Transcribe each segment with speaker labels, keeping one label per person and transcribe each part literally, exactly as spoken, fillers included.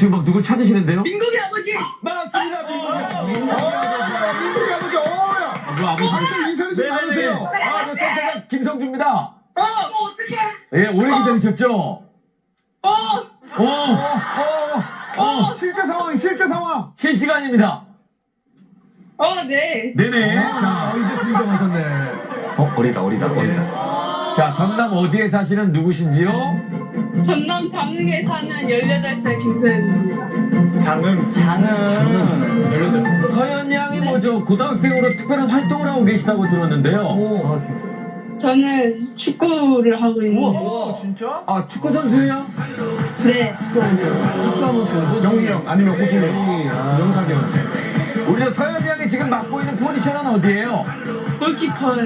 Speaker 1: 지금 막 누굴 찾으시는데요?
Speaker 2: 민국이 아버지.
Speaker 1: 맞습니다, 민국이 아버지.
Speaker 3: 민국이 아버지, 어야.
Speaker 1: 그 아버지.
Speaker 3: 한쪽 인사를 좀 나누세요.
Speaker 1: 아, 그 선택한 김성주입니다.
Speaker 2: 어, 어 어떡해.
Speaker 1: 예, 오래 기다리셨죠?
Speaker 2: 어,
Speaker 1: 어,
Speaker 3: 어, 어, 어. 실제 상황, 실제 상황.
Speaker 1: 실시간입니다.
Speaker 2: 어, 네.
Speaker 1: 네네. 자,
Speaker 3: 아, 이제 진정하셨네.
Speaker 1: 어, 어리다, 어리다, 어리다. 자, 전남 어디에 사시는 누구신지요?
Speaker 2: 전남 장흥에 사는 열여덟 살 김서연입니다.
Speaker 3: 장은, 장은. 열여덟 살.
Speaker 1: 서현 양이 뭐죠? 고등학생으로 특별한 활동을 하고 계시다고 들었는데요.
Speaker 3: 오, 아, 진짜.
Speaker 2: 저는 축구를 하고 있는데.
Speaker 3: 우와, 진짜?
Speaker 1: 아, 축구 선수예요?
Speaker 2: 네.
Speaker 3: 축구하면서 영희 형, 아니면 호준이 형. 영탁이 형.
Speaker 1: 우리 저 서현 양이 지금 맡고 있는 포지션은 어디예요?
Speaker 2: 골키퍼를.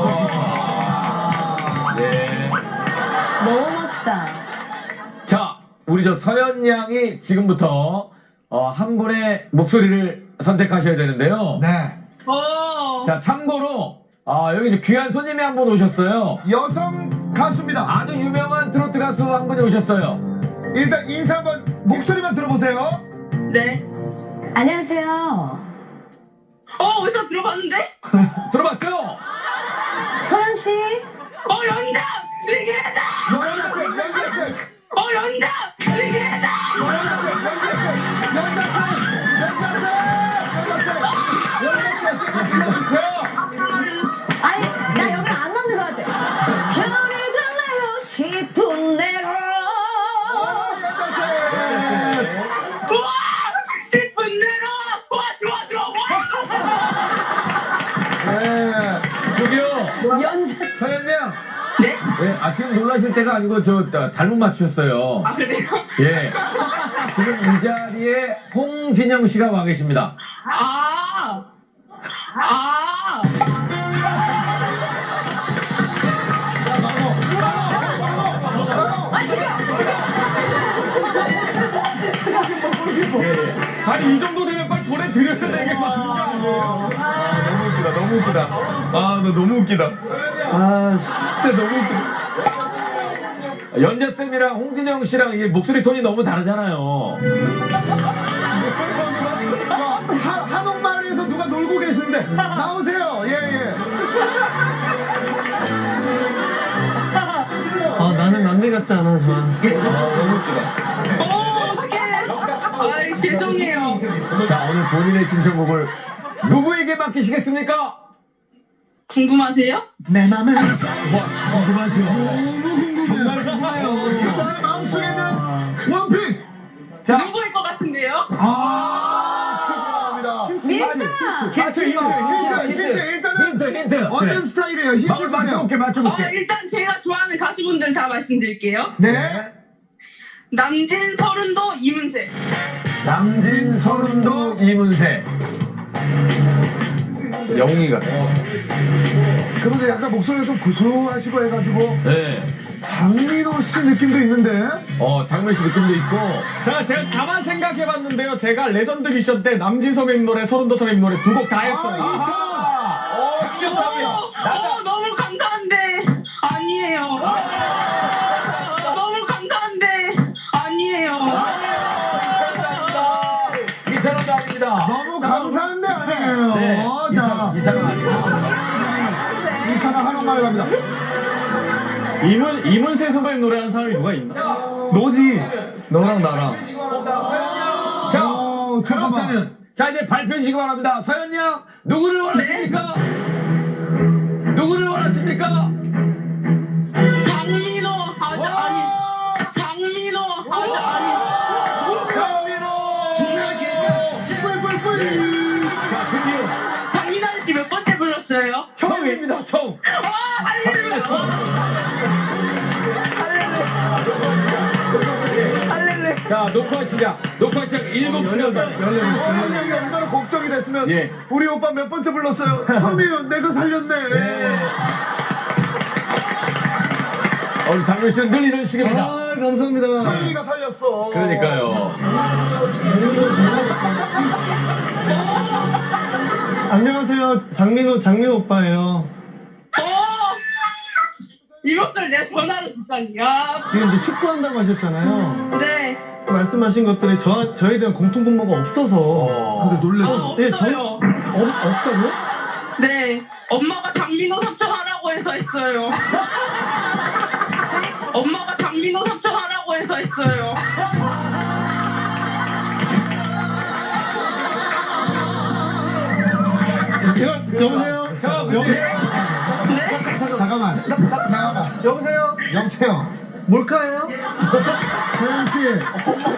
Speaker 1: 네.
Speaker 4: 너무 멋있다.
Speaker 1: 자, 우리 저 서현 양이 지금부터 어, 한 분의 목소리를 선택하셔야 되는데요.
Speaker 3: 네.
Speaker 2: 어.
Speaker 1: 자, 참고로 아, 여기 이제 귀한 손님이 한 분 오셨어요.
Speaker 3: 여성 가수입니다.
Speaker 1: 아주 유명한 트로트 가수 한 분이 오셨어요.
Speaker 3: 일단 인사 한번, 목소리만 들어보세요.
Speaker 2: 네.
Speaker 4: 안녕하세요.
Speaker 2: 어, 어디서 들어봤는데?
Speaker 1: 들어봤죠?
Speaker 4: 서현 씨.
Speaker 2: 어, 연장! 리게다!
Speaker 3: 연락생, 연락생.
Speaker 2: 어, 연장! 리게다!
Speaker 3: 연락생, 연락생. 연락생, 연락생. 연락생, 연락생.
Speaker 4: 아니, 나 여기 안 맞는 것 같아. 별이 달래고 싶은 대로.
Speaker 2: 우와! 싶은 대로! 와, 좋아, 좋아, 와!
Speaker 3: 네.
Speaker 1: 저기요.
Speaker 4: 연재.
Speaker 1: 서현 양.
Speaker 2: 네?
Speaker 1: 예, 아, 지금 놀라실 때가 아니고 저 아, 잘못 맞추셨어요.
Speaker 2: 아, 그래요?
Speaker 1: 예. 지금 이 자리에 홍진영 씨가 와 계십니다.
Speaker 2: 아! 아!
Speaker 5: 아니 이 정도 되면 빨리 보내드려야 되는 거 아니에요? 아 너무 웃기다 너무 웃기다 아 너 너무 웃기다 아 진짜 너무 웃기다
Speaker 1: 연재 쌤이랑 홍진영 씨랑 이게 목소리 톤이 너무 다르잖아요.
Speaker 3: 한, 한옥마을에서 누가 놀고 계신데 나오세요. 예, 예.
Speaker 5: 아 나는 남들 같지 않아 저
Speaker 2: 어, 어떡해! 아이, 죄송해요.
Speaker 1: 자, 오늘 본인의 신청곡을 누구에게 맡기시겠습니까?
Speaker 2: 궁금하세요?
Speaker 3: 내 맘은
Speaker 1: 궁금하죠?
Speaker 3: 너무 궁금해요.
Speaker 1: 정말 궁금해요.
Speaker 3: 나의 마음속에는 원픽.
Speaker 1: 자,
Speaker 2: 누구일 것 같은데요?
Speaker 3: 아, 죄송합니다.
Speaker 4: 밀다.
Speaker 1: 힌트, 힌트,
Speaker 3: 힌트, 힌트, 일단은
Speaker 1: 힌트, 힌트.
Speaker 3: 어떤
Speaker 1: 그래.
Speaker 3: 스타일이에요? 힌트
Speaker 1: 마을
Speaker 3: 주세요.
Speaker 1: 맞춰볼게,
Speaker 2: 어,
Speaker 1: 맞춰볼게.
Speaker 2: 일단 제가 좋아하는 가수분들 다 말씀드릴게요.
Speaker 3: 네.
Speaker 2: 남진, 서른도, 이문세.
Speaker 1: 남진, 서른도, 이문세.
Speaker 5: 영웅이 같아
Speaker 3: 그런데 약간 목소리가 좀 구수하시고 해가지고
Speaker 1: 네.
Speaker 3: 장민호 씨 느낌도 있는데.
Speaker 1: 어, 장면 씨 느낌도 있고.
Speaker 5: 자 제가 가만 생각해봤는데요 제가 레전드 미션 때 남진 선배님 노래 서른도 선배님 노래 두 곡 다 했어요
Speaker 3: 아, 이천 원.
Speaker 1: 어,
Speaker 2: 어, 어, 너무 감사한데 아니에요. 너무 감사한데 아니에요.
Speaker 1: 이천 원도 아닙니다.
Speaker 3: 너무 감사한데 아니에요.
Speaker 1: 네.
Speaker 3: 자,
Speaker 1: 이천 원 아닙니다.
Speaker 3: 이천 원 한옥마을 갑니다.
Speaker 5: 이문, 이문세 선배님 노래하는 사람이 누가 있나? 너지 너랑 나랑
Speaker 1: 자,
Speaker 3: 어, 잠깐만.
Speaker 1: 그렇다면 자 이제 발표해 주시기 바랍니다. 서현 양 누구를 원하십니까? 누구를 원하십니까?
Speaker 2: 장민호 하자 아니. 장민호 하자 아니.
Speaker 3: 뿔뿔뿔.
Speaker 1: 자, 드디어
Speaker 2: 장민호 아저씨 몇 번째 불렀어요?
Speaker 1: 처음입니다. 처음.
Speaker 2: 아, 할렐루야.
Speaker 1: 자, 녹화 시작. 녹화 시작 일곱 시간 반.
Speaker 3: 연락이 얼마나 걱정이 됐으면
Speaker 1: 예.
Speaker 3: 우리 오빠 몇 번째 불렀어요? 처음이에요. 내가 살렸네.
Speaker 1: 오늘 장면 씨는 늘 이런 식입니다.
Speaker 5: 아 감사합니다
Speaker 3: 서윤이가 살렸어.
Speaker 1: 그러니까요.
Speaker 5: 안녕하세요 장민호 장민호 오빠예요
Speaker 2: 어. 이 목소리 그것을 내 전화로 듣다니. 야,
Speaker 3: 지금 이제 축구한다고 하셨잖아요.
Speaker 2: 네.
Speaker 3: 말씀하신 것들이 저, 저에 대한 공통분모가 없어서.
Speaker 1: 어.
Speaker 3: 근데
Speaker 2: 어,
Speaker 3: 놀랬죠. 예, 전,
Speaker 2: 없어요.
Speaker 3: 없, 없다고요?
Speaker 2: 네. 엄마가 장민호 삼촌 하라고 해서 했어요. 엄마가 장민호 삼촌 하라고 해서 했어요.
Speaker 3: 여, 여보세요?
Speaker 1: 형,
Speaker 3: 여,
Speaker 1: 근데-
Speaker 2: 네?
Speaker 3: 잠깐만. 잠깐만. 여보세요? 여보세요? 몰카예요? 혜연 씨.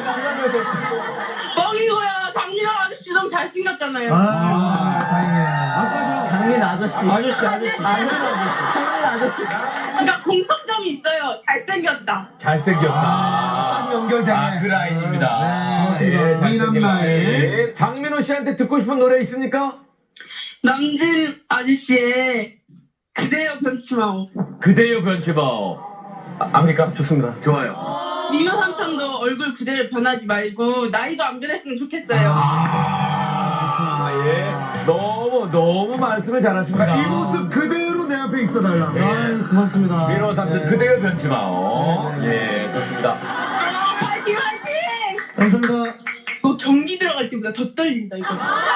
Speaker 2: 뻥이고요. 장민호 아저씨 너무 잘생겼잖아요.
Speaker 3: 아, 다행이야.
Speaker 6: 강민 아저씨. 아저씨, 아저씨. 강민 아저씨.
Speaker 2: 그러니까 공통점이 있어요. 잘생겼다.
Speaker 1: 잘생겼다.
Speaker 3: 딱 연결되네.
Speaker 1: 아, 그 라인입니다.
Speaker 3: 네,
Speaker 1: 예,
Speaker 3: 고맙습니다.
Speaker 1: 잘생긴
Speaker 3: 미남 라인.
Speaker 1: 라인. 장민호 씨한테 듣고 싶은 노래 있습니까?
Speaker 2: 남진 아저씨의 그대여 변치마오.
Speaker 1: 그대여 변치마오. 아, 압니까?
Speaker 3: 좋습니다.
Speaker 1: 좋아요.
Speaker 2: 민호 삼촌도 얼굴 그대로 변하지 말고 나이도 안 변했으면 좋겠어요.
Speaker 1: 아, 예. 너무, 너무 말씀을 잘하십니다.
Speaker 3: 이 모습 그대로 내 앞에 있어 달라. 아유, 고맙습니다.
Speaker 1: 민호 삼촌
Speaker 3: 네.
Speaker 1: 그대여 변치마오.
Speaker 3: 네, 네,
Speaker 1: 예, 좋습니다.
Speaker 2: 아, 파이팅 파이팅!
Speaker 3: 감사합니다.
Speaker 2: 이거 경기 들어갈 때보다 더 떨린다 이거.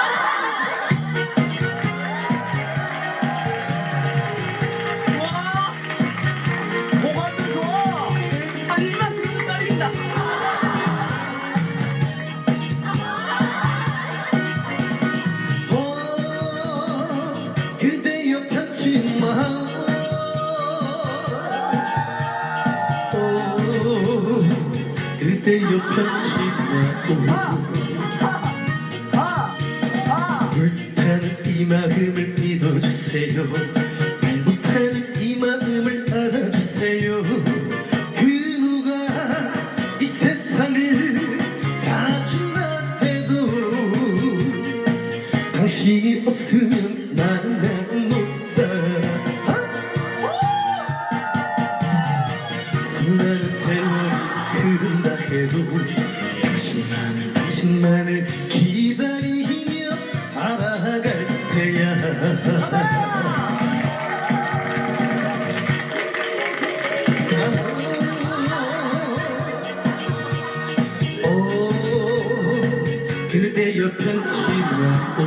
Speaker 2: 와,
Speaker 3: 고관도 좋아.
Speaker 2: 한입만 들어도 떨린다.
Speaker 3: 어, 그대여 편치 마. 어, 그대여 편치 마. 불타는 이 마음을 믿어주세요. 말 못하는 이 마음을 알아주세요. 그 누가 이 세상을 다 준다 해도 당신이 없으면 나는 못 살아. 수많은 세월이 흐른다 해도 당신만을 당신만을 기다리며 살아갈 테야. 오, 그대여 편치마오.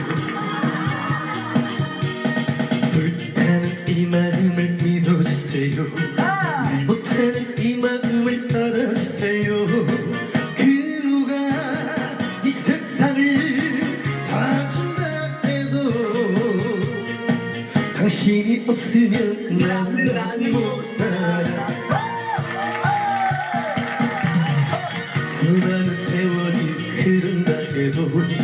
Speaker 3: 불타는 이 마음을 믿어주세요. 말 못하는 이 마음을 알아주세요. 그 누가 이 세상을 다 준다 해도 당신이 없으면 나는 못 살아. 수많은 세월이 흐른다 해도